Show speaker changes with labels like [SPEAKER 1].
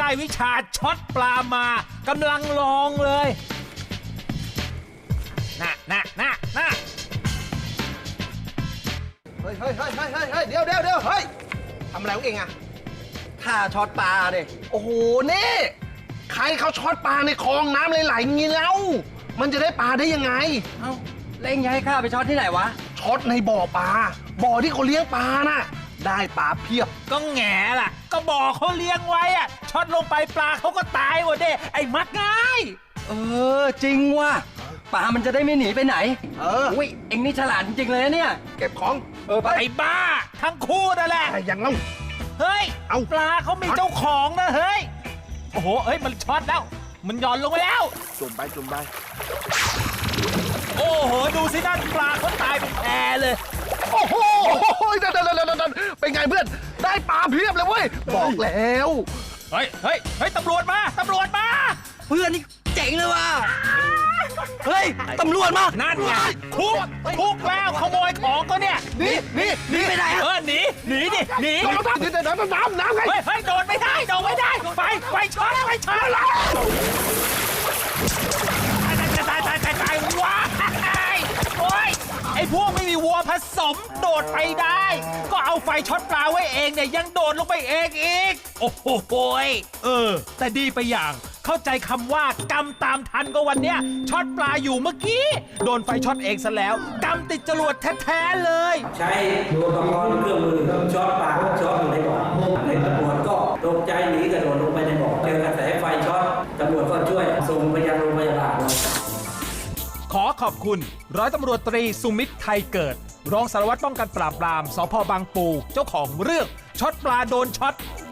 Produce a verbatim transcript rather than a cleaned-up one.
[SPEAKER 1] วิชาช็อตปลามากำลังลองเลยน่ะน่ะน่ะน่ะ
[SPEAKER 2] เฮ้ยเฮ้ยเฮ้ยเฮ้ยเฮ้ยเดี๋ยวเดี๋ยวเดี๋ยวเฮ้ยทำอะไรของเองอะท่าช็อตปลาเนี่ยโอ้โหนี่ใครเขาช็อตปลาในคลองน้ำไหลๆงี้แล้ว มันจะได้ปลาได้ยังไง
[SPEAKER 3] เอ้าเล่งจะให้ข้าไปช็อตที่ไหนวะ
[SPEAKER 2] ช็อตในบ่อปลา บ่อที่เขาเลี้ยงปลาน่ะ ได้ปลาเพียบ
[SPEAKER 1] ก็แง่ล่ะ ก็บอกเขาเลี้ยงไว้อะช็อตลงไปปลาเขาก็ตายหมดเด้ไอ้มักง่าย
[SPEAKER 3] เออจริงว่ะปลามันจะได้ไม่หนีไปไหน
[SPEAKER 2] เออ
[SPEAKER 3] อุ้ยเอ็งนี่ฉลาดจริงๆเลยนะเนี่ย
[SPEAKER 2] เก็บของ
[SPEAKER 3] เออไป
[SPEAKER 1] ไอ้บ้า ทั้งคู่นั่นแหละ
[SPEAKER 2] ไอ้ยังเล่า
[SPEAKER 1] เฮ้ย
[SPEAKER 2] เอา
[SPEAKER 1] ปลาเขามีเจ้าของนะเฮ้ย โอ้โหเฮ้ยมันช็อตแล้ว มันหย่อนลงไปแล้ว
[SPEAKER 2] จุ่มไปจุ่มไป
[SPEAKER 1] โอ้โหดูสินั่นปลาเขาตายเป็นแพเลย
[SPEAKER 2] โอ้โหนั่นนั่นนั่นนั่นเป็นไงเพื่อน ได้ปลาเพียบเลยเว้ย บอกแล้ว
[SPEAKER 1] เฮ้ยเฮ้ยเฮ้ยตำรวจมาตำรวจมา
[SPEAKER 3] เพื่อนนี่เจ๋งเลยว่ะเฮ้ยตำรวจมา
[SPEAKER 1] นั่นไงคุกคุกแล้วขโมยของก็เนี่ย
[SPEAKER 2] นี่นี่
[SPEAKER 3] หนีไปไหน
[SPEAKER 1] เอ
[SPEAKER 3] อะ
[SPEAKER 1] อหนีหนีดิหนี
[SPEAKER 2] น้ำน้ำน้ำน้ำน้ำไง
[SPEAKER 1] เฮ้ยเฮ้ยโดดไม่ได้โดดไม่ได้ไปไปช็อตไปช็อตตายตายตายตายตายว้ายโอ้ยไอ้พวกไม่มีวัวผสมโดดไปได้ ก็เอาไฟช็อตปลาไว้เองเนี่ยยังโดดลงไปเองอีกโอ้โหยเออ แต่ดีไปอย่างเข้าใจคำว่ากำตามทันก็วันเนี้ยช็อตปลาอยู่เมื่อกี้โดนไฟช็อตเองซะแล้วกำติดจรวดแท้ๆเลย
[SPEAKER 4] ใช้อุปกรณ์เครื่องมือช็อตปลาช็อตอยู่ในบ่อในตำรวจก็ตกใจหนีกระโดดลงไปในบ่อเจอกระแสไฟช็อตตำรวจก็ช่วยส่งไปยังโรงพยาบาล
[SPEAKER 1] ขอขอบคุณร้อยตำรวจตรีสุมิตรไทยเกิด รองสารวัตรป้องกันปราบปรามสพบางปูเจ้าของเรื่องช็อตปลาโดนช็อต